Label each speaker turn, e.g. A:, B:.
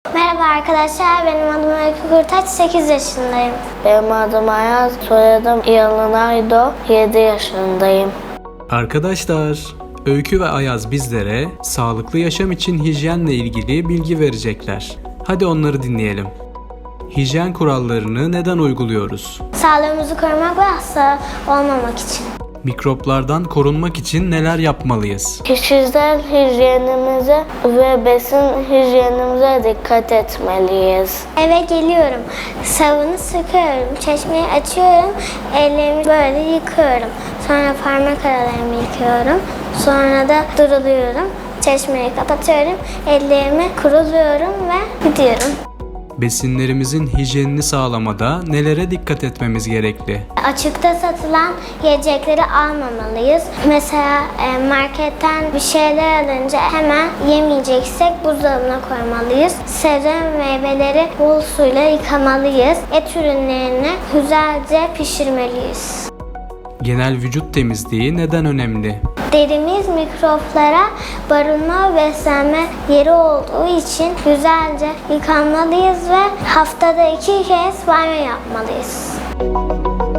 A: Merhaba arkadaşlar, benim adım Öykü Kurtaç, 8 yaşındayım.
B: Benim adım Ayaz, soyadım Yalınaydo, 7 yaşındayım.
C: Arkadaşlar, Öykü ve Ayaz bizlere sağlıklı yaşam için hijyenle ilgili bilgi verecekler. Hadi onları dinleyelim. Hijyen kurallarını neden uyguluyoruz?
A: Sağlığımızı korumak ve hasta olmamak için.
C: Mikroplardan korunmak için neler yapmalıyız?
B: Kişisel hijyenimize ve besin hijyenimize dikkat etmeliyiz.
A: Eve geliyorum, sabunu sıkıyorum, çeşmeyi açıyorum, ellerimi böyle yıkıyorum. Sonra parmak aralarımı yıkıyorum, sonra da duruluyorum, çeşmeyi kapatıyorum, ellerimi kuruluyorum ve gidiyorum.
C: Besinlerimizin hijyenini sağlamada nelere dikkat etmemiz gerekli?
A: Açıkta satılan yiyecekleri almamalıyız. Mesela marketten bir şeyler alınca hemen yemeyeceksek buzdolabına koymalıyız. Sebze ve meyveleri bol suyla yıkamalıyız. Et ürünlerini güzelce pişirmeliyiz.
C: Genel vücut temizliği neden önemli?
A: Derimiz mikroplara barınma ve beslenme yeri olduğu için güzelce yıkanmalıyız ve haftada 2 kez banyo yapmalıyız.